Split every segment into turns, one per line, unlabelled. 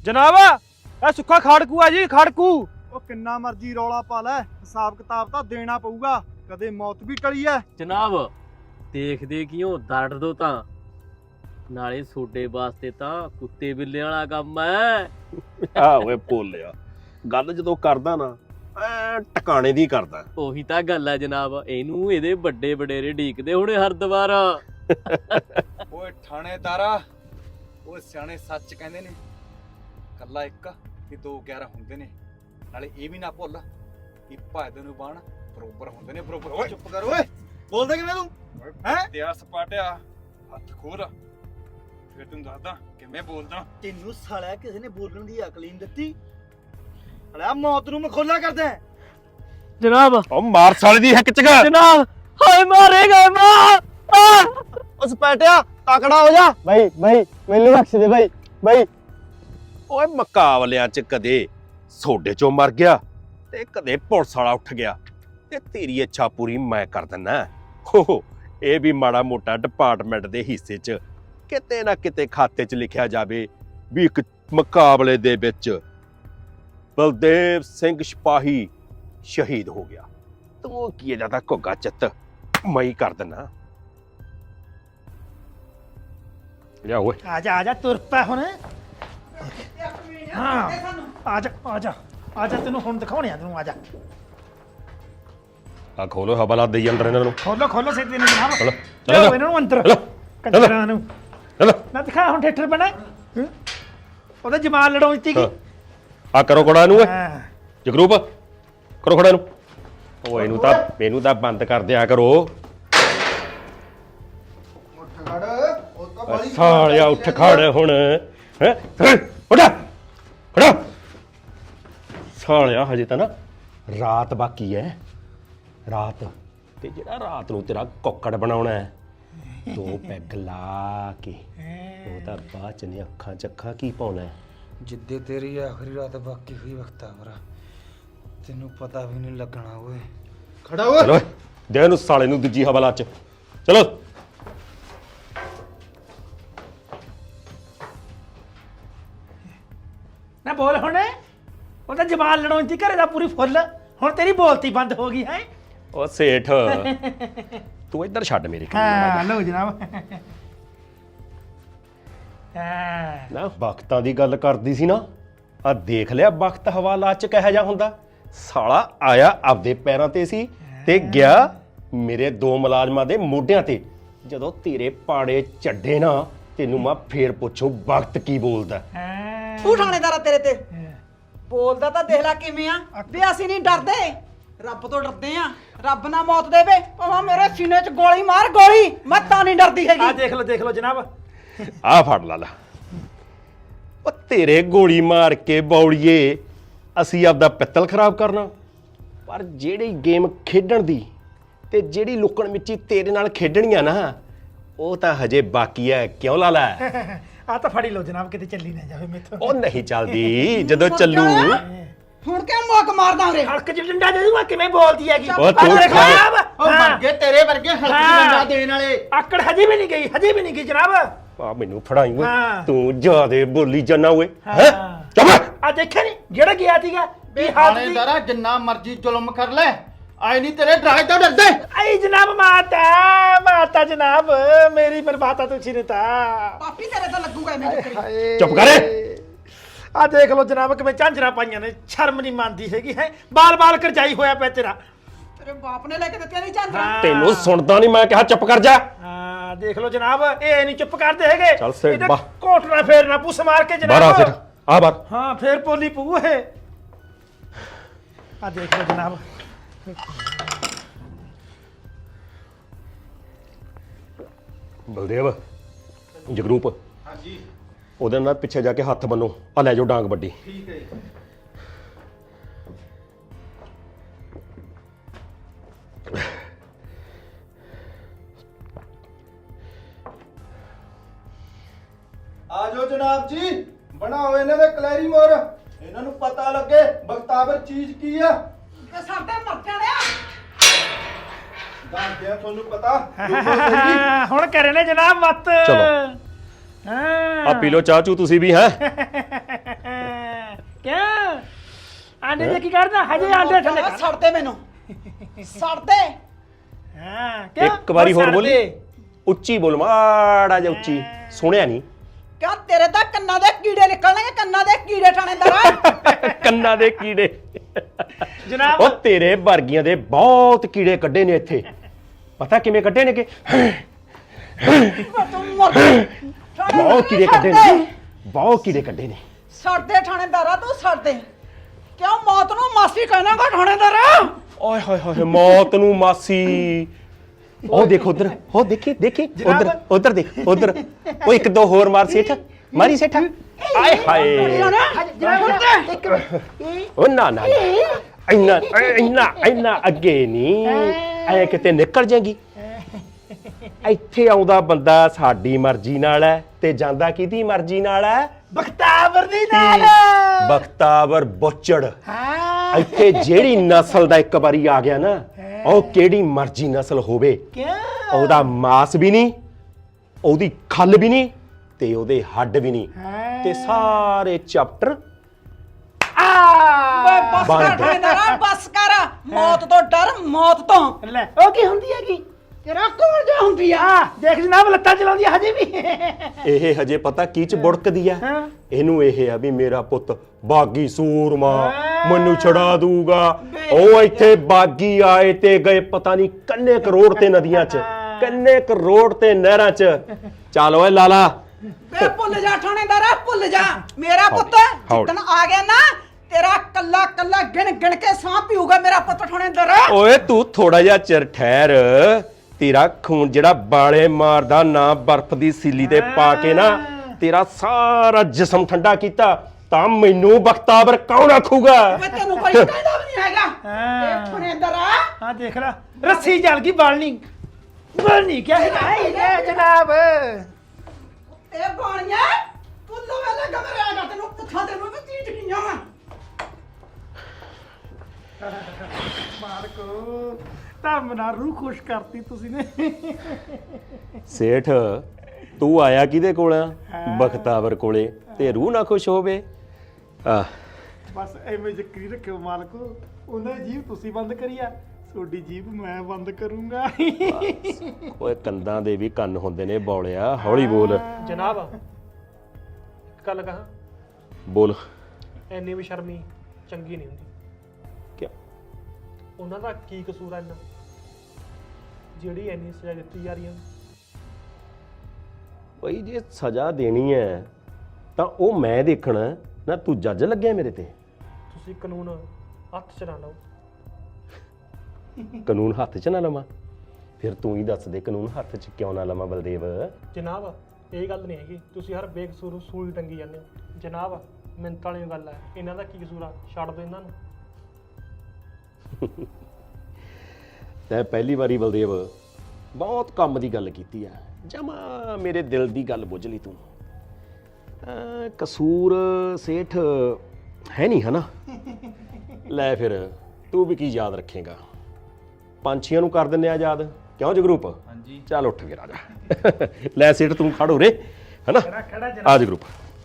ਜਨਾਬ ਇਹ ਸੁੱਖਾ ਖਾੜਕੂ ਆ ਜੀ, ਖਾੜਕੂ।
ਉਹ ਕਿੰਨਾ ਮਰਜ਼ੀ ਰੌਲਾ ਪਾ ਲੈ, ਹਿਸਾਬ ਕਿਤਾਬ ਤਾਂ ਦੇਣਾ ਪਊਗਾ। ਕਦੇ ਮੌਤ ਵੀ ਟਲੀ ਐ।
ਜਨਾਬ ਦੇਖਦੇ ਕਿਉਂ ਦਰਦ ਦੋ ਤਾਂ ਨਾਲੇ ਸੋਡੇ ਵਾਸਤੇ ਤਾਂ ਕੁੱਤੇ ਬਿੱਲੇ ਵਾਲਾ ਕੰਮ ਐ।
ਆ ਓਏ ਭੋਲਿਆ, ਗੱਲ ਜਦੋਂ ਕਰਦਾ ਨਾ ਐ ਟਿਕਾਣੇ ਦੀ ਕਰਦਾ।
ਉਹੀ ਤਾਂ ਗੱਲ ਐ ਜਨਾਬ, ਇਹਨੂੰ ਇਹਦੇ ਵੱਡੇ ਵਡੇਰੇ ਢੀਕਦੇ ਹੁਣੇ ਹਰ ਦੁਬਾਰਾ।
ਓਏ ਥਾਣੇਦਾਰਾ, ਓਏ ਸਿਆਣੇ ਸੱਚ ਕਹਿੰਦੇ ਨੇ, ਕੱਲਾ ਇੱਕ ਤੇ 2 11 ਹੁੰਦੇ ਨੇ। ਨਾਲੇ ਇਹ ਵੀ ਨਾ ਭੁੱਲ ਕਿ ਭਾਇਦੇ ਨੂੰ ਬਾਣ ਬਰੋਬਰ ਹੁੰਦੇ ਨੇ, ਬਰੋਬਰ। ਓਏ
ਚੁੱਪ ਕਰ ਓਏ, ਬੋਲਦਾ ਕਿਵੇਂ ਤੂੰ? ਹੈ
ਤਿਆ ਸਪਾਟਿਆ ਹੱਥ ਖੋਲ, ਫਿਰ ਤੈਨੂੰ ਦੱਸਦਾ ਕਿਵੇਂ ਬੋਲਦਾ।
ਤੈਨੂੰ ਸਾਲਿਆ ਕਿਸੇ ਨੇ ਬੋਲਣ ਦੀ ਅਕਲ ਹੀ ਨਹੀਂ ਦਿੱਤੀ। ਸਾਲਿਆ ਮੌਤ ਨੂੰ ਮਖੌਲਾ ਕਰਦਾ ਹੈ।
ਜਨਾਬ
ਉਹ ਮਾਰ ਸਾਲੇ ਦੀ ਹਿੱਕ ਚ ਗਾ।
ਜਨਾਬ ਹਾਏ ਮਾਰੇਗਾ ਮਾਂ।
ਉਸ ਪੈਟਿਆ ਤਕੜਾ ਹੋ ਜਾ।
ਭਾਈ ਮੈਨੂੰ ਬਖਸ਼ ਦੇ ਭਾਈ।
ਓਏ ਮੁਕਾਬਲਿਆਂ ਚ ਕਦੇ ਸੋਡੇ ਚੋਂ ਮਰ ਗਿਆ ਤੇ ਕਦੇ ਪੁਲਿਸ ਵਾਲਾ ਉੱਠ ਗਿਆ, ਤੇ ਤੇਰੀ ਇੱਛਾ ਪੂਰੀ ਮੈਂ ਕਰ ਦਿੰਦਾ। ਹੋ ਇਹ ਵੀ ਮਾੜਾ ਮੋਟਾ ਡਿਪਾਰਟਮੈਂਟ ਦੇ ਹਿੱਸੇ ਚ ਕਿਤੇ ਨਾ ਕਿਤੇ ਖਾਤੇ ਚ ਲਿਖਿਆ ਜਾਵੇ ਵੀ ਇੱਕ ਮੁਕਾਬਲੇ ਦੇ ਵਿੱਚ ਬਲਦੇਵ ਸਿੰਘ ਸਿਪਾਹੀ ਸ਼ਹੀਦ ਹੋ ਗਿਆ। ਤੂੰ ਕੀ ਜਿਆਦਾ ਘੁੱਗਾ ਚਿੱਤ ਮੈਂ ਹੀ ਕਰ ਦਿੰਦਾ। ਜਾ ਓਏ
ਆ ਜਾ ਤੁਰ ਪੈ ਹੁਣ। ਹਾਂ ਆ ਜਾ ਤੈਨੂੰ ਹੁਣ ਦਿਖਾਉਣੇ ਆ ਤੈਨੂੰ। ਆ ਜਾ
ਆ ਖੋਲੋ ਹਵਾਲਾ ਦੇਈ ਅੰਦਰ ਇਹਨਾਂ ਨੂੰ।
ਖੋਲੋ ਸਿੱਧੇ ਨੂੰ ਜਨਾਬ।
ਚਲੋ
ਚਲੋ ਇਹਨਾਂ ਨੂੰ ਅੰਦਰ
ਚਲੋ
ਕੰਜਰਾਂ ਨੂੰ
ਚਲੋ
ਨਾ ਦਿਖਾ ਹੁਣ ਠੇਠਰ ਬਣਾ। ਉਹਦਾ ਜਮਾਲ ਲੜਾਉਂ ਦਿੱਤੀ ਕੀ।
ਆ ਕਰੋ ਕੋੜਾ ਨੂੰ ਓਏ
ਹਾਂ
ਜਗਰੂਪ, ਕਰੋ ਖੜਾ ਨੂੰ। ਉਹ ਇਹਨੂੰ ਤਾਂ ਬੰਦ ਕਰ ਦਿਆ ਕਰੋ।
ਉੱਠ ਖੜ, ਉਹ ਤਾਂ ਬੜੀ
ਸਾਲਿਆ ਉੱਠ ਖੜ ਹੁਣ। ਹੈ ਉੱਠ ਖੜਾ। ਸਾਲਿਆ ਹਜੇ ਤਾਂ ਨਾ ਰਾਤ ਬਾਕੀ ਹੈ, ਰਾਤ। ਤੇ ਜਿਹੜਾ ਰਾਤ ਨੂੰ ਤੇਰਾ ਕੁੱਕੜ ਬਣਾਉਣਾ ਹੈ, 2 ਪੈਗ ਲਾ ਕੇ ਉਹ ਤਾਂ ਬਾਅਦ ਚ ਨੇ ਅੱਖਾਂ ਚੱਖਾਂ ਕੀ ਪਾਉਣਾ ਹੈ।
ਜਿੱਦੇ ਤੇਰੀ ਆਖਰੀ ਰਾਤ ਬਾਕੀ ਹੋਈ ਵਕਤਾ ਮਰਾ, ਤੈਨੂੰ ਪਤਾ ਵੀ ਨਹੀਂ ਲੱਗਣਾ ਓਏ।
ਖੜਾ ਓਏ।
ਚਲੋ ਦੇ ਇਹਨੂੰ ਸਾਲੇ ਨੂੰ ਦੂਜੀ ਹਵਾਲਾ ਚ। ਚਲੋ
ਨਾ ਬੋਲ ਹੁਣ। ਉਹਦਾ ਜਮਾਲ ਲੜਾਉਂ ਦਿੱਤੀ ਘਰੇ ਦਾ ਪੂਰੀ ਫੁੱਲ। ਹੁਣ ਤੇਰੀ ਬੋਲਤੀ ਬੰਦ ਹੋ ਗਈ ਹੈ।
ਉਹ ਸੇਠ ਤੂੰ ਇੱਧਰ ਛੱਡ ਮੇਰੇ ਕੋਲ।
ਹਾਂ ਲਓ ਜਨਾਬ। ਹਾਂ
ਨਾ ਵਕਤਾਂ ਦੀ ਗੱਲ ਕਰਦੀ ਸੀ ਨਾ, ਆ ਦੇਖ ਲਿਆ ਵਕਤ ਹਵਾਲਾ ਚ ਕਿਹੋ ਜਿਹਾ ਹੁੰਦਾ। ਸਾਲਾ ਆਇਆ ਆਪਦੇ ਪੈਰਾਂ ਤੇ ਸੀ ਤੇ ਗਿਆ ਮੇਰੇ 2 ਮੁਲਾਜ਼ਮਾਂ ਦੇ ਮੋਢਿਆਂ ਤੇ। ਜਦੋਂ ਤੇਰੇ ਪਾੜੇ ਚੱਡੇ ਨਾ, ਤੈਨੂੰ ਮੈਂ ਫੇਰ ਪੁੱਛੂ ਵਕਤ ਕੀ ਬੋਲਦਾ।
ਤੂੰ ਥਾਣੇਦਾਰਾ ਤੇਰੇ ਤੇ ਬੋਲਦਾ ਤਾਂ ਦੇਖ ਲੈ ਕਿਵੇਂ ਆ। ਵੀ ਅਸੀਂ ਨਹੀਂ ਡਰਦੇ, ਰੱਬ ਤੋਂ ਡਰਦੇ ਆ। ਰੱਬ ਨਾ ਮੌਤ ਦੇਵੇ, ਭਾਵੇਂ ਮੇਰੇ ਸੀਨੇ 'ਚ ਗੋਲੀ ਮਾਰ ਗੋਲੀ, ਮੈਂ ਤਾਂ ਨਹੀਂ ਡਰਦੀ ਹੈਗੀ।
ਆ ਦੇਖ ਲਓ ਜਨਾਬ।
ਆ ਫੜ ਲਾ ਉਹ ਤੇਰੇ ਗੋਲੀ ਮਾਰ ਕੇ ਬੌੜੀਏ ਅਸੀਂ ਆਪਦਾ ਪਿੱਤਲ ਖਰਾਬ ਕਰਨਾ। ਪਰ ਜਿਹੜੀ ਗੇਮ ਖੇਡਣ ਦੀ ਤੇ ਜਿਹੜੀ ਲੁਕਣ ਮਿੱਚੀ ਤੇਰੇ ਨਾਲ ਖੇਡਣੀ ਆ ਨਾ, ਉਹ ਤਾਂ ਹਜੇ ਬਾਕੀ ਹੈ। ਕਿਉਂ ਲਾਲਾ?
ਆ ਤਾਂ ਫੜੀ ਲਓ ਜਨਾਬ, ਕਿਤੇ ਚੱਲੀ ਨਾ ਜਾਵੇ ਮੇਥੋਂ।
ਉਹ ਨਹੀਂ ਚੱਲਦੀ, ਜਦੋਂ ਚੱਲੂ।
ਹੁਣ ਕਿਉਂ ਮੋਕ ਮਾਰਦਾ ਉਰੇ?
ਹਲਕ ਚ ਡੰਡਾ ਦੇ ਦੂੰਗਾ। ਕਿਵੇਂ ਬੋਲਦੀ ਹੈਗੀ।
ਉਹ ਤੂੰ
ਜਨਾਬ
ਉਹ ਮਰ ਗਏ ਤੇਰੇ ਵਰਗੇ ਹਲਕੀ ਡੰਡਾ ਦੇਣ ਵਾਲੇ।
ਆਕੜ ਹਜੇ ਵੀ ਨਹੀਂ ਗਈ ਜਨਾਬ।
ਆ ਮੈਨੂੰ ਫੜਾਈ ਓਏ,
ਹਾਂ।
ਤੂੰ ਜਿਆਦੇ ਬੋਲੀ ਜਾਨਾ ਓਏ।
ਹਾਂ।
ਹੈ ਚੁੱਪ।
ਆ ਦੇਖਿਆ ਨਹੀਂ ਜਿਹੜਾ ਗਿਆ ਸੀਗਾ ਵੀ ਹੱਥ ਦੀ।
ਥਾਣੇਦਾਰਾ ਜਿੰਨਾ ਮਰਜ਼ੀ ਜ਼ੁਲਮ ਕਰ ਲੈ, ਆਏ ਨਹੀਂ ਤੇਰੇ ਡਰਾਏ ਤੋਂ ਡਰਦੇ।
ਆਈ ਜਨਾਬ ਮਾਤਾ ਜਨਾਬ ਮੇਰੀ ਬਰਬਾਤਾ ਤੁਸੀਂ ਨੇ ਤਾਂ।
ਪਾਪੀ ਤੇਰੇ ਤਾਂ ਲੱਗੂਗਾ ਐਵੇਂ ਚੱਕਰੀ।
ਚੁੱਪ ਕਰ।
ਆ ਦੇਖ ਲਓ ਜਨਾਬ ਕਿਵੇਂ ਝਾਂਜਰਾਂ ਪਾਈਆਂ ਨੇ। ਸ਼ਰਮ ਨਹੀਂ ਮੰਨਦੀ ਹੈਗੀ ਹੈ। ਬਾਲ ਕਰਜਾਈ ਹੋਇਆ ਪਿਆ ਤੇਰਾ।
ਤੇਰੇ ਬਾਪ ਨੇ ਲੈ ਕੇ ਦਿੱਤੀਆਂ ਨਹੀਂ ਚਾਂਦਰਾ।
ਤੈਨੂੰ ਸੁਣਦਾ ਨਹੀਂ, ਮੈਂ ਕਿਹਾ ਚੁੱਪ ਕਰ ਜਾ।
ਹਾਂ ਦੇਖ ਲਓ ਜਨਾਬ, ਇਹ ਨਹੀਂ ਚੁੱਪ ਕਰਦੇ ਹੈਗੇ।
ਚੱਲ ਸੇਠ
ਇਹਦਾ
ਬਾ।
ਕੋਟਣਾ ਫੇਰਨਾ ਪੁੱਸ ਮਾਰ ਕੇ
ਬਾਹਰ ਆ
ਜਨਾਬ।
ਫਿਰ ਆ ਬਾਹਰ।
ਹਾਂ ਫੇਰ ਪੋਲੀ ਪੂ ਇਹ। ਆ ਦੇਖ ਲਓ ਜਨਾਬ।
ਬਲਦੇਵ, ਜਗਰੂਪ, ਹਾਂਜੀ, ਉਹਦੇ ਨਾਲ ਪਿੱਛੇ ਜਾ ਕੇ ਹੱਥ ਬੰਨੋ। ਆ ਲੈ ਜਾਓ ਡਾਂਗ ਵੱਡੀ।
ਠੀਕ ਹੈ ਜੀ। ਆ ਜਾਓ ਜਨਾਬ ਜੀ, ਬਣਾਓ ਇਹਨਾਂ ਦੇ ਕਲੈਰੀ ਮੋਰ। ਇਹਨਾਂ ਨੂੰ ਪਤਾ ਲੱਗੇ ਬਖਤਾਵਰ ਚੀਜ਼ ਕੀ ਆ।
ਤੇ ਸਾਡੇ ਮਰਚਾਂ ਲਿਆ।
ਦੱਸਦੇ ਆ ਤੁਹਾਨੂੰ ਪਤਾ।
ਹੁਣ ਕਰੇ ਨੇ ਜਨਾਬ ਮਤ।
ਚਲੋ।
ਹਾਂ
ਆ ਪੀ ਲਓ ਚਾਹ ਚੂ ਤੁਸੀਂ ਵੀ ਹੈ।
ਆਂਡੇ ਦੇ ਕੀ ਕਰਨਾ ਹਜੇ ਆਂਡੇ ਥੱਲੇ ਕਰ।
ਛੱਡ ਦੇ ਮੈਨੂੰ ਛੱਡ ਦੇ।
ਹਾਂ ਕਿਉਂ
ਇੱਕ ਵਾਰੀ
ਉਹ
ਹੋਰ
ਛੱਡ
ਬੋਲੀ
ਦੇ।
ਉੱਚੀ ਬੋਲ ਮਾੜਾ ਜਿਹਾ ਉੱਚੀ ਸੁਣਿਆ ਨਹੀਂ
ਕਿਆ ਤੇਰੇ ਤਾਂ ਕੰਨਾਂ ਦੇ ਕੀੜੇ ਨਿਕਲਣਗੇ, ਕੰਨਾਂ ਦੇ ਕੀੜੇ ਥਾਣੇਦਾਰਾ।
ਕੰਨਾਂ ਦੇ ਕੀੜੇ
ਜਨਾਬ
ਉਹ ਤੇਰੇ ਵਰਗੀਆਂ ਦੇ ਬਹੁਤ ਕੀੜੇ ਕੱਢੇ ਨੇ ਇੱਥੇ ਪਤਾ ਕਿਵੇਂ ਕੱਢੇ ਨੇ ਕਿ
ਤੂੰ ਮਰ
ਬਹੁਤ ਕੀੜੇ ਕੱਢੇ ਨੇ ਬਹੁਤ ਕੀੜੇ ਕੱਢੇ ਨੇ
ਛੱਡ ਦੇ ਥਾਣੇਦਾਰਾ, ਤੂੰ ਛੱਡ ਦੇ। ਕਿਉਂ ਮੌਤ ਨੂੰ ਮਾਸੀ ਕਹਿਣਾਗਾ ਥਾਣੇਦਾਰਾ?
ਓਏ ਹੋਏ ਹੋਏ ਮੌਤ ਨੂੰ ਮਾਸੀ ਉਹ ਦੇਖ ਉਧਰ ਉਹ ਦੇਖੀ ਦੇਖੀ ਉਧਰ ਉਧਰ ਦੇਖ ਉਧਰ ਉਹ ਇੱਕ ਦੋ ਹੋਰ ਮਾਰ ਸੇਠ ਮਾਰੀ ਸੇਠ ਆਏ ਹਾਏ ਉਹ ਨਾ ਨਾ ਇੰਨਾ ਇੰਨਾ ਇੰਨਾ ਅੱਗੇ ਨਹੀਂ ਐ ਕਿਤੇ ਨਿਕਲ ਜਾਏਗੀ ਇੱਥੇ ਆਉਂਦਾ ਬੰਦਾ ਸਾਡੀ ਮਰਜ਼ੀ ਨਾਲ ਹੈ ਤੇ ਜਾਂਦਾ ਕਿਹਦੀ ਮਰਜ਼ੀ ਨਾਲ ਹੈ
ਬਖਤਾਵਰ ਦੀ ਨਾਲ
ਬਖਤਾਵਰ ਬੁੱਚੜ
ਹਾਂ
ਇੱਥੇ ਜਿਹੜੀ ਨਸਲ ਦਾ ਇੱਕ ਵਾਰੀ ਆ ਗਿਆ ਨਾ ਉਹ ਕਿਹੜੀ ਮਰਜ਼ੀ ਨਸਲ ਹੋਵੇ
ਕਿਉਂ
ਉਹਦਾ ਮਾਸ ਵੀ ਨਹੀਂ ਉਹਦੀ ਖੱਲ ਵੀ ਨਹੀਂ ਤੇ ਉਹਦੇ ਹੱਡ ਵੀ ਨਹੀਂ ਤੇ ਸਾਰੇ ਚੈਪਟਰ
ਓਏ ਬਸ ਕਰ
ਬੰਦ।
ਥਾਣੇਦਾਰਾ, ਬਸ ਕਰ। ਮੌਤ ਤੋਂ ਡਰ, ਮੌਤ ਤੋਂ।
ਲੈ ਉਹ ਕੀ ਹੁੰਦੀ ਹੈਗੀ
ਤੇਰਾ ਕੋਲ ਜਾ ਹੁੰਦੀ ਆ।
ਦੇਖ ਜਨਾਬ ਲੱਤਾਂ ਚਲਾਉਂਦੀ ਆ ਹਜੇ ਵੀ
ਇਹ ਹਜੇ ਪਤਾ ਕੀ ਚ ਬੁੜਕਦੀ ਆ
ਹਾਂ।
ਇਹਨੂੰ ਇਹ ਆ ਵੀ ਮੇਰਾ ਪੁੱਤ ਬਾਗੀ ਸੂਰਮਾ ਮੈਨੂੰ ਛੜਾ ਦੂਗਾ ਉਹ ਇੱਥੇ ਬਾਗੀ ਆਏ ਤੇ ਗਏ ਪਤਾ ਨਹੀਂ ਕਿੰਨੇ ਕਰੋੜ ਤੇ ਨਦੀਆਂ ਚ ਕਿੰਨੇ ਕਰੋੜ ਤੇ ਨਹਿਰਾਂ ਚ ਚੱਲ ਓਏ ਲਾਲਾ
ਬੇ ਭੁੱਲ ਜਾ ਥਾਣੇਦਾਰਾ, ਭੁੱਲ ਜਾ। ਮੇਰਾ ਪੁੱਤ
ਹੌਲੀ।
ਜਿੱਦਣ ਆ ਗਿਆ ਨਾ, ਤੇਰਾ ਕੱਲਾ ਕੱਲਾ ਗਿਣ ਗਿਣ ਕੇ ਸਾਹ ਪੀਊਗਾ ਮੇਰਾ ਪੁੱਤ ਥਾਣੇਦਾਰਾ।
ਓਏ ਤੂੰ ਥੋੜਾ ਜਿਹਾ ਚਿਰ ਠਹਿਰ ਤੇਰਾ ਖੂਨ ਜਿਹੜਾ ਬਾਲੇ ਮਾਰਦਾ ਨਾ ਬਰਫ਼ ਦੀ ਸੀਲੀ ਤੇ ਪਾ ਕੇ ਨਾ ਤੇਰਾ ਸਾਰਾ ਜਿਸਮ ਠੰਡਾ ਕੀਤਾ ਤਾਂ ਮੈਨੂੰ ਬਖਤਾਵਰ ਕੌਣ ਆਖੂਗਾ
ਓਏ ਤੈਨੂੰ ਕੋਈ ਕਹਿੰਦਾ ਵੀ ਨਹੀਂ ਹੈਗਾ ਇਹ ਥਾਣੇਦਾਰਾ।
ਹਾਂ ਦੇਖ ਲੈ ਰੱਸੀ ਜਲ ਗਈ ਬਲਣੀ ਕਿਆ ਹੈ ਜਨਾਬ
ਇਹ ਬਾਣੀਆਂ ਤੂੰ ਲੋਵੇ ਲੱਗਾ ਮੇਰੇ ਆਗਾ ਤੈਨੂੰ ਪੁੱਛਾਂ ਤੈਨੂੰ ਵੀ ਚੀਜ਼ ਨਹੀਂ ਆਵਾਂ।
ਮਾਰਕੋ ਤਾਂ ਮਨਾ ਰੂਹ ਖੁਸ਼ ਕਰਤੀ ਤੁਸੀਂ ਨੇ
ਸੇਠ ਤੂੰ ਆਇਆ ਕਿਹਦੇ ਕੋਲ ਆ ਬਖਤਾਵਰ ਕੋਲੇ ਤੇ ਰੂਹ ਨਾ ਖੁਸ਼ ਹੋਵੇ ਆ
ਬਸ ਐਵੇਂ ਜ਼ਿਕਰੀ ਰੱਖਿਓ ਮਾਲਕੋ ਉਹਨਾਂ ਦੀ ਜੀਭ ਤੁਸੀਂ ਬੰਦ ਕਰੀਆ ਤੁਹਾਡੀ ਜੀਭ ਮੈਂ ਬੰਦ ਕਰੂੰਗਾ
ਓਏ ਕੰਦਾਂ ਦੇ ਵੀ ਕੰਨ ਹੁੰਦੇ ਨੇ ਬੌਲਿਆ ਹੌਲੀ ਬੋਲ
ਜਨਾਬ ਇੱਕ ਗੱਲ ਕਹਾਂ
ਬੋਲ
ਐਨੀ ਵੀ ਸ਼ਰਮੀ ਚੰਗੀ ਨਹੀਂ ਹੁੰਦੀ
ਕਿਆ
ਉਹਨਾਂ ਦਾ ਕੀ ਕਸੂਰ ਆ ਇੰਨਾ ਜਿਹੜੀ ਐਨੀ ਸਜ਼ਾ ਦਿੱਤੀ ਜਾ ਰਹੀ ਹੈ
ਬਈ ਜੇ ਸਜ਼ਾ ਦੇਣੀ ਹੈ ਤਾਂ ਉਹ ਮੈਂ ਦੇਖਣਾ ਨਾ ਤੂੰ ਜੱਜ ਲੱਗਿਆ ਮੇਰੇ ਤੇ
ਤੁਸੀਂ ਕਾਨੂੰਨ ਹੱਥ 'ਚ ਨਾ ਲਓ
ਕਾਨੂੰਨ ਹੱਥ 'ਚ ਨਾ ਲਵਾਂ ਫਿਰ ਤੂੰ ਹੀ ਦੱਸ ਦੇ ਕਾਨੂੰਨ ਹੱਥ 'ਚ ਕਿਉਂ ਨਾ ਲਵਾਂ ਬਲਦੇਵ
ਜਨਾਬ ਇਹ ਗੱਲ ਨਹੀਂ ਹੈਗੀ ਤੁਸੀਂ ਹਰ ਬੇਕਸੂਰ ਸੂਈ ਟੰਗੀ ਜਾਂਦੇ ਹੋ ਜਨਾਬ ਮਿੰਟ ਵਾਲੀ ਗੱਲ ਹੈ ਇਹਨਾਂ ਦਾ ਕੀ ਕਸੂਰ ਆ ਛੱਡ ਦਿਓ ਇਹਨਾਂ ਨੂੰ
ਤੈਂ ਪਹਿਲੀ ਵਾਰੀ ਬਲਦੇਵ ਬਹੁਤ ਕੰਮ ਦੀ ਗੱਲ ਕੀਤੀ ਆ ਜਮਾ ਮੇਰੇ ਦਿਲ ਦੀ ਗੱਲ ਬੁੱਝ ਲਈ ਤੂੰ ਕਸੂਰ ਸੇਠ ਹੈ ਨਹੀਂ ਹਨਾ ਲੈ ਫਿਰ ਤੂੰ ਵੀ ਕੀ ਯਾਦ ਰੱਖੇਗਾ ਪੰਛੀਆਂ ਨੂੰ ਕਰ ਦਿੰਦੇ ਆ ਯਾਦ ਕਿਉਂ ਜਗਰੂਪ ਹਾਂਜੀ ਚੱਲ ਉੱਠ ਕੇ ਰਾਜਾ ਲੈ ਸੇਠ ਤੂੰ ਖੜ ਹੋ ਰੇ ਹਨਾ ਆ ਜਗਰੂਪ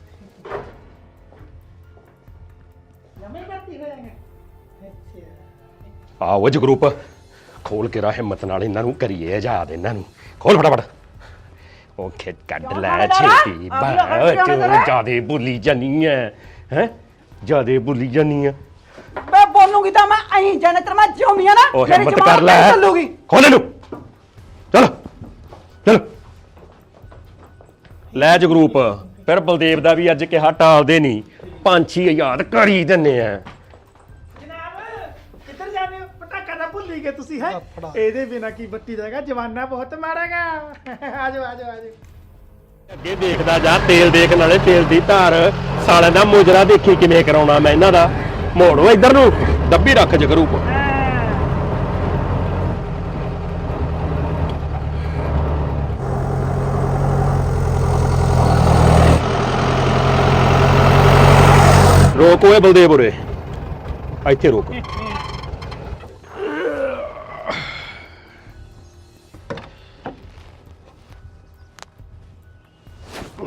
ਆਓ ਜਗਰੂਪ ਖੋਲ ਕੇ ਰਾ ਹਿੰਮਤ ਨਾਲ ਇਹਨਾਂ ਨੂੰ ਕਰੀਏ ਆਜ਼ਾਦ ਇਹਨਾਂ ਨੂੰ ਖੋਲ ਫਟਾਫਟ ਉਹ ਖੇਤ ਕੱਢ ਲੈ ਛੇਤੀ ਬਾ ਤੂੰ ਜਿਆਦੇ ਭੁੱਲੀ ਜਾਨੀ ਹੈ ਜਿਆਦੇ ਭੁੱਲੀ ਜਾਨੀ ਹੈ
ਬੇ ਬੋਲੂਗੀ ਤਾਂ ਮੈਂ ਐਂ ਜਾਣੇ ਤੇ ਮੈਂ ਜਿਉਂਦੀ ਆ ਨਾ
ਉਹ
ਮੇਰੀ
ਹਿੰਮਤ
ਜ਼ੁਬਾਨ
ਕਰ ਲੈ
ਨਹੀਂ ਚੱਲੂਗੀ।
ਖੋਲ ਇਹਨੂੰ ਚਲ ਚਲ ਲੈ ਜਗਰੂਪ ਫਿਰ ਬਲਦੇਵ ਦਾ ਵੀ ਅੱਜ ਕਿਹਾ ਟਾਲਦੇ ਨਹੀਂ ਪੰਛੀ ਯਾਦ ਕਰ ਹੀ ਦਿੰਨੇ ਆ
ਜਨਾਬ ਕਿੱਧਰ ਜਾਂਦੇ ਹੋ ਪਟਾਕਾ ਤਾਂ ਭੁੱਲ ਹੀ ਗਏ ਤੁਸੀਂ ਹੈ ਇਹਦੇ ਬਿਨਾ ਕੀ ਬੱਤੀ ਰਹੇਗਾ ਜਵਾਨਾ ਬਹੁਤ ਮਾਰਾਗਾ ਆਜੋ ਆਜੋ ਆਜੋ
ਅੱਗੇ ਦੇਖਦਾ ਜਾ ਤੇਲ ਦੇਖ ਨਾਲੇ ਤੇਲ ਦੀ ਧਾਰ ਸਾਲਿਆਂ ਦਾ ਮੁਜਰਾ ਦੇਖੀ ਕਿਵੇਂ ਕਰਾਉਣਾ ਮੈਂ ਇਹਨਾਂ ਦਾ ਮੋੜੋ ਇੱਧਰ ਨੂੰ ਡੱਬੀ ਰੱਖ ਜਗਰੂਪ ਰੋਕ ਓਏ ਬਲਦੇਵ ਉਰੇ ਇੱਥੇ ਰੋਕ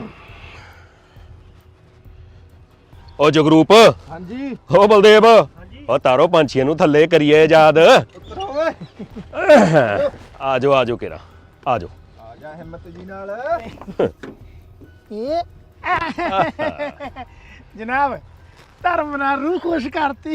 ਓ ਜਗਰੂਪ
ਹਾਂਜੀ
ਓ ਬਲਦੇਵ ਉਹ ਤਾਰੋ ਪੰਛੀਆਂ ਨੂੰ ਥੱਲੇ ਕਰੀਏ ਯਾਦ। ਆਜੋ ਕੇਰਾ ਆਜੋ।
ਆ ਜਾ ਹਿੰਮਤ ਜੀ ਨਾਲ।
ਇਹ ਜਨਾਬ ਧਰਮ ਨਾਲ ਰੂਹ ਖੁਸ਼ ਕਰਤੀ।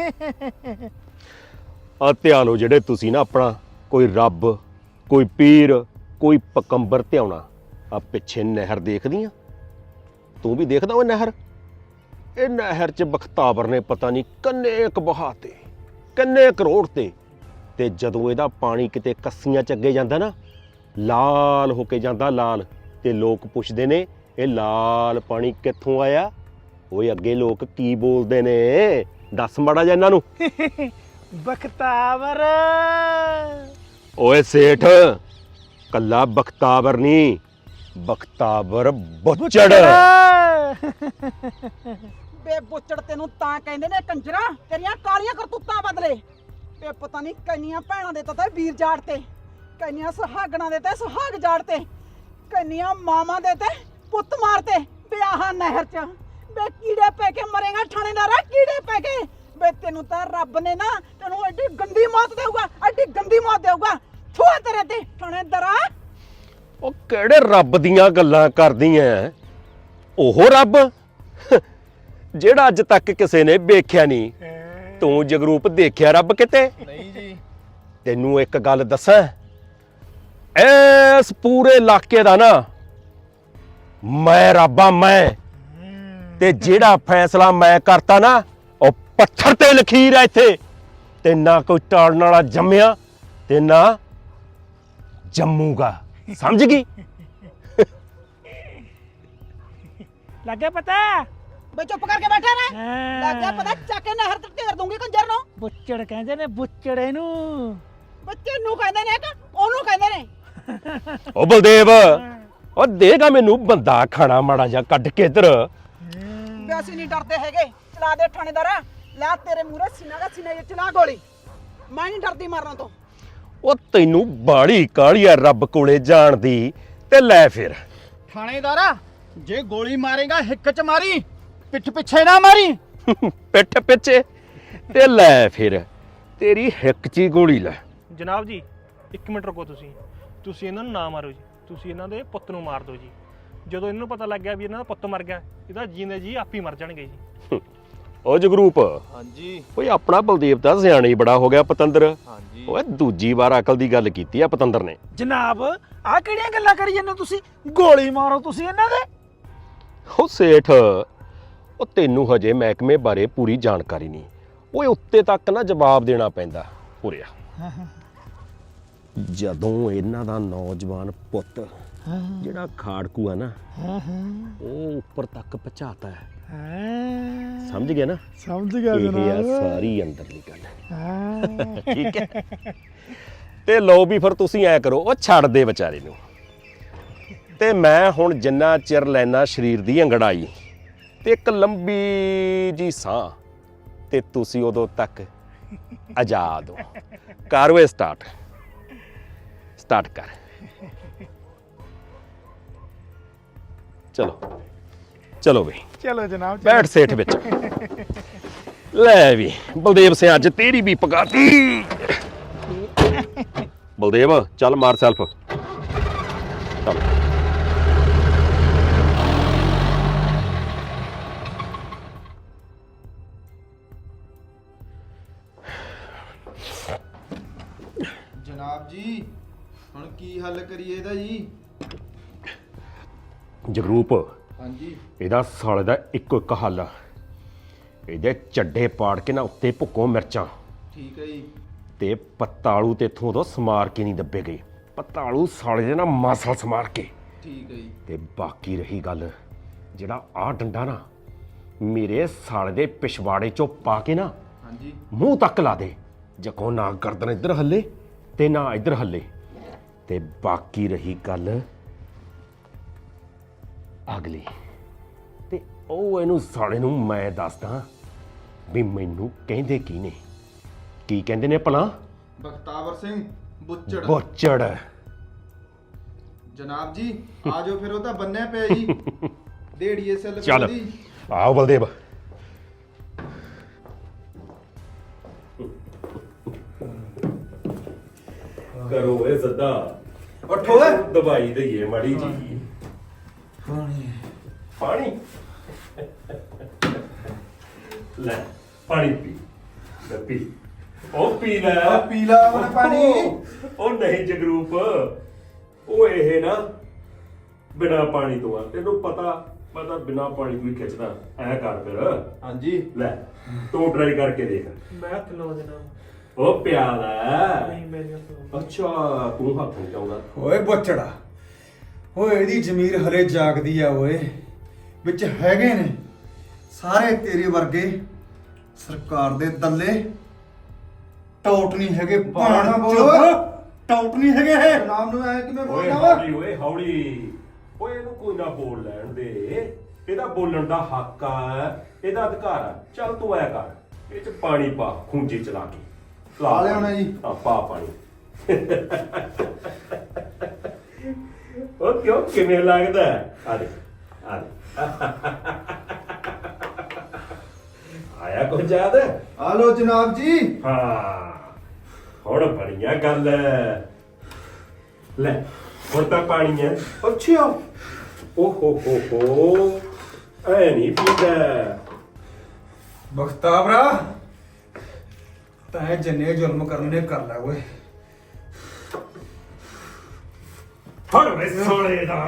ਆ ਧਿਆਲੋ ਜਿਹੜੇ ਤੁਸੀਂ ਨਾ ਆਪਣਾ ਕੋਈ ਰੱਬ, ਕੋਈ ਪੀਰ, ਕੋਈ ਪਕੰਬਰ ਧਿਆਉਣਾ। ਆ ਪਿੱਛੇ ਨਹਿਰ ਦੇਖਦੀ ਆ, ਤੂੰ ਵੀ ਦੇਖਦਾ ਉਹ ਨਹਿਰ? ਇਹ ਨਹਿਰ 'ਚ ਬਖਤਾਵਰ ਨੇ ਪਤਾ ਨਹੀਂ ਕਿੰਨੇ ਕੁ ਬਹਾਤੇ, ਕਿੰਨੇ ਕਰੋੜ ਤੇ ਜਦੋਂ ਇਹਦਾ ਪਾਣੀ ਕਿਤੇ ਕੱਸੀਆਂ 'ਚ ਅੱਗੇ ਜਾਂਦਾ ਨਾ, ਲਾਲ ਹੋ ਕੇ ਜਾਂਦਾ ਲਾਲ, ਤੇ ਲੋਕ ਪੁੱਛਦੇ ਨੇ ਇਹ ਲਾਲ ਪਾਣੀ ਕਿੱਥੋਂ ਆਇਆ? ਓਏ ਅੱਗੇ ਲੋਕ ਕੀ ਬੋਲਦੇ ਨੇ, ਦੱਸ ਮਾੜਾ ਜਿਹਾ ਇਹਨਾਂ ਨੂੰ।
ਬਖਤਾਵਰ।
ਓਏ ਸੇਠ, ਕੱਲਾ ਬਖਤਾਵਰ ਨਹੀਂ, ਬਖਤਾਵਰ ਬੁੱਚੜ।
ਬੇ ਬੁੱਚੜ ਤੈਨੂੰ ਤਾਂ ਕਹਿੰਦੇ ਨੇ ਕੰਜਰਾ, ਤੇਰੀਆਂ ਕਾਲੀਆਂ ਕਰਤੂਤਾਂ ਬਦਲੇ। ਬੇ ਪਤਾ ਨਹੀਂ ਕੰਨੀਆਂ ਭੈਣਾਂ ਦੇ ਤਾਂ ਵੀਰ ਜਾੜ ਤੇ, ਕੰਨੀਆਂ ਸੁਹਾਗਣਾਂ ਦੇ ਤੇ ਸੁਹਾਗ ਜਾੜ ਤੇ, ਕੰਨੀਆਂ ਮਾਵਾਂ ਦੇ ਤੇ ਪੁੱਤ ਮਾਰਤੇ। ਬੇ ਆਹ ਨਹਿਰ 'ਚ ਬੇ ਕੀੜੇ ਪੈ ਕੇ ਮਰੇਗਾ ਥਾਣੇਦਾਰਾ, ਕੀੜੇ ਪੈ ਕੇ। ਬੇ ਤੈਨੂੰ ਤਾਂ ਰੱਬ ਨੇ ਨਾ ਤੈਨੂੰ ਐਡੀ ਗੰਦੀ ਮੌਤ ਦੇਊਗਾ, ਐਡੀ ਗੰਦੀ ਮੌਤ ਦੇਊਗਾ। ਥੂਆ ਤੇਰੇ ਤੇ ਥਾਣੇਦਾਰਾ।
ਉਹ ਕਿਹੜੇ ਰੱਬ ਦੀਆਂ ਗੱਲਾਂ ਕਰਦੀ ਐ? ਉਹ ਰੱਬ ਜਿਹੜਾ ਅੱਜ ਤੱਕ ਕਿਸੇ ਨੇ ਵੇਖਿਆ ਨਹੀਂ। ਤੂੰ ਜਗਰੂਪ ਦੇਖਿਆ ਰੱਬ ਕਿਤੇ?
ਨਹੀਂ ਜੀ।
ਤੈਨੂੰ ਇੱਕ ਗੱਲ ਦੱਸਾਂ, ਇਸ ਪੂਰੇ ਇਲਾਕੇ ਦਾ ਨਾ ਮੈਂ ਰੱਬ ਆ, ਮੈਂ। ਤੇ ਜਿਹੜਾ ਫੈਸਲਾ ਮੈਂ ਕਰਤਾ ਨਾ, ਉਹ ਪੱਥਰ ਤੇ ਲਖੀਰ ਆ ਇੱਥੇ। ਤੇ ਨਾ ਕੋਈ ਟਾਲਣ ਵਾਲਾ ਜੰਮਿਆ ਤੇ ਨਾ ਜੰਮੂਗਾ, ਸਮਝ ਗਈ?
ਲੱਗਿਆ ਪਤਾ?
ਬੇ ਚੁੱਪ ਕਰਕੇ ਬੈਠਾ ਰਹਿ। ਲੱਗਿਆ ਪਤਾ, ਚੱਕ ਕੇ ਨਹਿਰ ਤੇ ਢੇਰ ਦੂੰਗੀ ਕੰਜਰ ਨੂੰ।
ਬੁੱਚੜ ਕਹਿੰਦੇ ਨੇ, ਬੁੱਚੜ ਇਹਨੂੰ।
ਬੱਚੇ ਨੂੰ ਕਹਿੰਦੇ ਨੇ ਕਿ ਉਹਨੂੰ ਕਹਿੰਦੇ ਨੇ?
ਉਹ ਬਲਦੇਵ, ਉਹ ਦੇਗਾ ਮੈਨੂੰ ਬੰਦਾ ਖਾਣਾ ਮਾੜਾ ਜਿਹਾ ਕੱਢ ਕੇ ਇੱਧਰ।
ਬੇ ਅਸੀਂ ਨਹੀਂ ਡਰਦੇ ਹੈਗੇ। ਚਲਾ ਦੇ ਥਾਣੇਦਾਰਾ, ਲੈ ਤੇਰੇ ਮੂਹਰੇ ਸੀਨਾ ਦਾ ਸੀਨਾ ਜਿਹਾ ਚਲਾ ਗੋਲੀ। ਮੈਂ ਨਹੀਂ ਡਰਦੀ ਮਰਨ ਤੋਂ।
ਉਹ ਤੈਨੂੰ ਬਾੜੀ ਕਾਹਲੀ ਆ ਰੱਬ ਕੋਲੇ ਜਾਣ ਦੀ, ਤੇ ਲੈ ਫਿਰ।
ਥਾਣੇਦਾਰਾ, ਜੇ ਗੋਲੀ ਮਾਰੇਗਾ ਹਿੱਕ 'ਚ ਮਾਰੀ, ਪਿੱਠ ਪਿੱਛੇ ਨਾ ਮਾਰੀ।
ਪਿੱਠ ਪਿੱਛੇ ਤੇ ਲੈ ਫਿਰ, ਤੇਰੀ ਹਿੱਕ 'ਚ ਹੀ ਗੋਲੀ ਲੈ।
ਜਨਾਬ ਜੀ 1 ਮਿੰਟ ਰੁਕੋ। ਤੁਸੀਂ ਇਹਨਾਂ ਨੂੰ ਨਾ ਮਾਰੋ ਜੀ, ਤੁਸੀਂ ਇਹਨਾਂ ਦੇ ਪੁੱਤ ਨੂੰ ਮਾਰ ਦਿਓ ਜੀ। ਜਦੋਂ ਇਹਨਾਂ ਨੂੰ ਪਤਾ ਲੱਗ ਗਿਆ ਵੀ ਇਹਨਾਂ ਦਾ ਪੁੱਤ ਮਰ ਗਿਆ, ਇਹਦਾ ਜੀਂਦੇ ਜੀ ਆਪ ਹੀ ਮਰ ਜਾਣਗੇ ਜੀ।
ਉਹ ਜਗਰੂਪ,
ਹਾਂਜੀ
ਓਏ ਆਪਣਾ ਬਲਦੇਵ ਤਾਂ ਸਿਆਣਾ ਹੀ ਬੜਾ ਹੋ ਗਿਆ ਪਤੰਦਰ।
ਹਾਂਜੀ।
ਓਏ ਦੂਜੀ ਵਾਰ ਅਕਲ ਦੀ ਗੱਲ ਕੀਤੀ ਆ ਪਤੰਦਰ ਨੇ।
ਜਨਾਬ ਆਹ ਕਿਹੜੀਆਂ ਗੱਲਾਂ ਕਰੀ ਜਾਂਦੇ ਹੋ ਤੁਸੀਂ? ਗੋਲੀ ਮਾਰੋ ਤੁਸੀਂ ਇਹਨਾਂ ਦੇ।
ਉਹ ਸੇਠ, ਉਹ ਤੈਨੂੰ ਹਜੇ ਮਹਿਕਮੇ ਬਾਰੇ ਪੂਰੀ ਜਾਣਕਾਰੀ ਨਹੀਂ। ਓਏ ਉੱਤੇ ਤੱਕ ਨਾ ਜਵਾਬ ਦੇਣਾ ਪੈਂਦਾ। ਉਰਿਆ, ਜਦੋਂ ਇਹਨਾਂ ਦਾ ਨੌਜਵਾਨ ਪੁੱਤ ਜਿਹੜਾ ਖਾੜਕੂ ਆ ਨਾ, ਉਹ ਉੱਪਰ ਤੱਕ ਪਹੁੰਚਾਤਾ ਹੈ, ਸਮਝ ਗਿਆ ਨਾ?
ਸਮਝ ਗਿਆ
ਇਹ ਆ ਸਾਰੀ ਅੰਦਰਲੀ ਗੱਲ। ਠੀਕ ਹੈ, ਤੇ ਲਓ ਵੀ ਫਿਰ ਤੁਸੀਂ ਐ ਕਰੋ, ਉਹ ਛੱਡ ਦੇ ਵਿਚਾਰੇ ਨੂੰ। ਤੇ ਮੈਂ ਹੁਣ ਜਿੰਨਾ ਚਿਰ ਲੈਣਾ ਸਰੀਰ ਦੀ ਅੰਗੜਾਈ ਤੇ ਇੱਕ ਲੰਬੀ ਜੀ ਸਾਹ, ਤੇ ਤੁਸੀਂ ਉਦੋਂ ਤੱਕ ਆਜ਼ਾਦ ਹੋ। ਕਰ ਵੇ ਸਟਾਰਟ ਕਰ। ਚਲੋ ਬਈ,
ਚਲੋ ਜਨਾਬ,
ਬੈਠ ਸੇਠ ਵਿੱਚ। ਲੈ ਵੀ ਬਲਦੇਵ ਸਿੰਘ, ਅੱਜ ਤੇਰੀ ਵੀ ਪਕਾਤੀ। ਬਲਦੇਵ ਚੱਲ ਮਾਰ ਸੈਲਫ। ਚੱਲ।
ਜਨਾਬ ਜੀ, ਹੁਣ ਕੀ ਹੱਲ ਕਰੀਏ ਇਹਦਾ ਜੀ?
ਜਗਰੂਪ,
ਹਾਂਜੀ।
ਇਹਦਾ ਸਾਲੇ ਦਾ ਇੱਕੋ ਇੱਕ ਹੱਲ ਆ। ਇਹਦੇ ਚੱਡੇ ਪਾੜ ਕੇ ਨਾ ਉੱਤੇ ਭੁੱਕੋ ਮਿਰਚਾਂ।
ਠੀਕ ਹੈ ਜੀ।
ਤੇ ਪੱਤਾਲੂ ਤੇ ਇਥੋਂ ਤੋਂ ਸਮਾਰ ਕੇ ਨਹੀਂ ਦੱਬੇ ਗਏ। ਪੱਤਾਲੂ ਸਾਲੇ ਦੇ ਨਾ ਮਾਸਲ ਸਮਾਰ ਕੇ।
ਠੀਕ ਹੈ ਜੀ।
ਤੇ ਬਾਕੀ ਰਹੀ ਗੱਲ, ਜਿਹੜਾ ਆਹ ਡੰਡਾ ਨਾ ਮੇਰੇ ਸਾਲੇ ਦੇ ਪਿਛਵਾੜੇ ਚੋਂ ਪਾ ਕੇ ਨਾ
ਹਾਂਜੀ।
ਮੂੰਹ ਤੱਕ ਲਾ ਦੇ। ਜਕੋ ਨਾ ਗਰਦਨ ਇੱਧਰ ਹੱਲੇ ਤੇ ਨਾ ਇੱਧਰ ਹੱਲੇ। ਤੇ ਬਾਕੀ ਰਹੀ ਗੱਲ ਅਗਲੀ, ਤੇ ਉਹ ਇਹਨੂੰ ਸਾਲੇ ਨੂੰ ਮੈਂ ਦੱਸਦਾ ਵੀ ਮੈਨੂੰ ਕਹਿੰਦੇ ਕੀ ਨੇ। ਕੀ ਕਹਿੰਦੇ ਨੇ ਭਲਾ?
ਬਖਤਾਵਰ ਸਿੰਘ ਬੁੱਚੜ।
ਬੁੱਚੜ।
ਜਨਾਬ ਜੀ ਆ ਜਾਓ ਫਿਰ, ਉਹ ਤਾਂ ਬੰਨਿਆ ਪਿਆ ਜੀ। ਦੇੜੀਏ ਸੈੱਲ
ਚੱਲ
ਦੀ।
ਆਓ ਬਲਦੇਵ। ਕਰੋ ਏ ਸੱਦਾ
ਉੱਠੋ ਓਏ।
ਦਵਾਈ ਦਈਏ ਮਾੜੀ ਜੀ ਪਾਣੀ ਲੈ ਪਾਣੀ ਪੀ ਲੈ ਪੀ ਉਹ ਪੀ ਲੈ
ਪੀ ਲਾ ਉਹਨੇ ਪਾਣੀ।
ਉਹ ਨਹੀਂ ਜਗਰੂਪ ਉਹ ਇਹ ਨਾ ਬਿਨਾ ਪਾਣੀ ਤੋਂ ਆ ਤੈਨੂੰ ਪਤਾ ਮੈਂ ਤਾਂ ਬਿਨਾ ਪਾਣੀ ਤੋਂ ਹੀ ਖਿੱਚਦਾ ਐ ਕਰ ਫਿਰ
ਹਾਂਜੀ
ਲੈ ਤੂੰ ਟਰਾਈ ਕਰਕੇ ਦੇਖ
ਮੈਂ ਹੱਥ ਲਵਾ ਦੇਣਾ
ਉਹ ਪਿਆਲਾ
ਨਹੀਂ ਮੇਰੇ ਹੱਥ
ਅੱਛਾ ਤੂੰ ਹੱਥ ਨਹੀਂ ਲਾਉਂਦਾ
ਓਏ ਬੋਚੜਾ ਓਏ ਇਹਦੀ ਜ਼ਮੀਰ ਹਲੇ ਜਾਗਦੀ ਆ ਓਏ ਵਿੱਚ ਹੈਗੇ ਨੇ ਸਾਰੇ ਤੇਰੇ ਵਰਗੇ ਸਰਕਾਰ ਦੇ ਦੱਲੇ ਟੌਟ ਨਹੀਂ ਹੈਗੇ ਭਾਣਾ ਟੌਟ ਨਹੀਂ ਹੈਗੇ ਇਹ ਨਾਮ ਨੂੰ ਐ ਕਿਵੇਂ
ਓਏ
ਬੋਲਦਾ ਵਾ
ਹੌਲੀ ਓਏ ਹੌਲੀ ਓਏ ਇਹਨੂੰ ਕੋਈ ਨਾ ਬੋਲ ਲੈਣ ਦੇ ਇਹਦਾ ਬੋਲਣ ਦਾ ਹੱਕ ਆ ਇਹਦਾ ਅਧਿਕਾਰ ਆ ਚੱਲ ਤੂੰ ਐ ਕਰ ਇਹ ਚ ਪਾਣੀ ਪਾ ਖੂੰਜੇ ਚਲਾ ਕੇ
ਪਾ ਲਿਆਉਣਾ ਜੀ।
ਆ ਪਾ ਪਾਣੀ ਉਹ ਕਿਉਂ ਕਿਵੇਂ ਲੱਗਦਾ ਆ ਦੇ ਆ ਦੇ ਆਇਆ ਕੁਝ ਯਾਦ
ਆ ਲੋ ਜਨਾਬ ਜੀ।
ਹਾਂ ਹੁਣ ਬੜੀਆਂ ਗੱਲ ਲੈ ਹੁਣ ਤਾਂ ਪਾਣੀ ਹੈ ਅੱਛਾ ਓ ਹੋ ਐ ਨਹੀਂ ਪੀਂਦਾ
ਬਖਤਾਵਰਾ ਤੈਂ ਜੰਨੇ ਜ਼ੁਲਮ ਕਰਨੇ ਕਰ ਲੈ ਓਏ
ਫੜ ਵੇ ਸੋਲੇ ਦਾ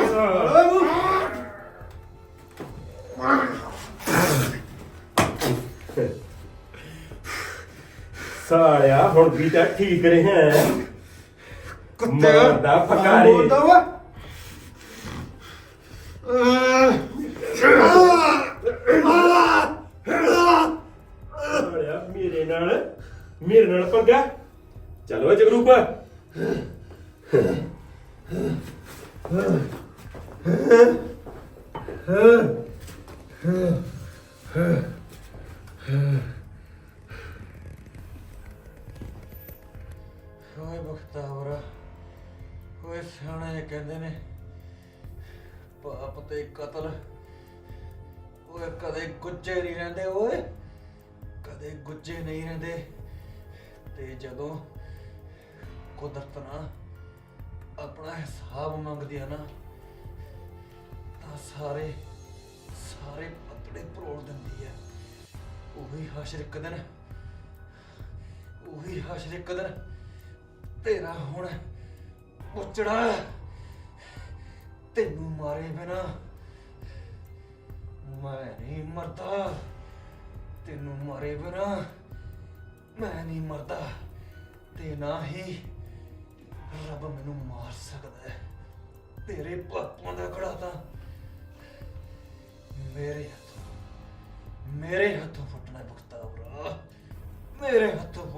ਸਾਲਿਆ ਹੁਣ ਵੀ ਤਾਂ ਠੀਕ ਰਿਹਾ
ਕੁੱਤੇ
ਮਾਰਦਾ ਫਕਾਰੀ
ਬੋਲਦਾ ਵਾ
ਸਾਲਿਆ ਮੇਰੇ ਨਾਲ ਪੰਗਾ ਚਲੋ ਜਗਰੂਪ
ਓਏ ਬਖਤਾਵਰਾ ਓਏ ਸਿਆਣੇ ਕਹਿੰਦੇ ਨੇ ਪਾਪ ਤੇ ਕਤਲ ਓਏ ਕਦੇ ਗੁੱਜੇ ਨਹੀਂ ਰਹਿੰਦੇ ਓਏ ਕਦੇ ਗੁੱਜੇ ਨਹੀਂ ਰਹਿੰਦੇ ਤੇ ਜਦੋਂ ਕੁਦਰਤ ਨਾ ਆਪਣਾ ਹਿਸਾਬ ਮੰਗਦੀ ਆ ਨਾ ਤਾਂ ਸਾਰੇ ਪਤੜੇ ਪਰੋੜ ਦਿੰਦੀ ਹੈ ਉਹੀ ਹਸ਼ਰ ਇੱਕ ਦਿਨ ਤੇਰਾ ਹੁਣ ਪੁੱਛੜਾ ਤੈਨੂੰ ਮਾਰੇ ਬਿਨਾ ਮੈਂ ਨਹੀਂ ਮਰਦਾ ਤੈਨੂੰ ਮਾਰੇ ਬਿਨਾ ਮੈਂ ਨਹੀਂ ਮਰਦਾ ਤੇ ਨਾ ਹੀ ਰੱਬ ਮੈਨੂੰ ਮਾਰ ਸਕਦਾ ਹੈ ਤੇਰੇ ਪਾਪਾਂ ਦਾ ਖੜਾ ਤਾਂ ਮੇਰੇ ਹੱਥੋਂ ਫੁੱਟਣਾ ਬਖਤਾਵਰਾ ਮੇਰੇ ਹੱਥੋਂ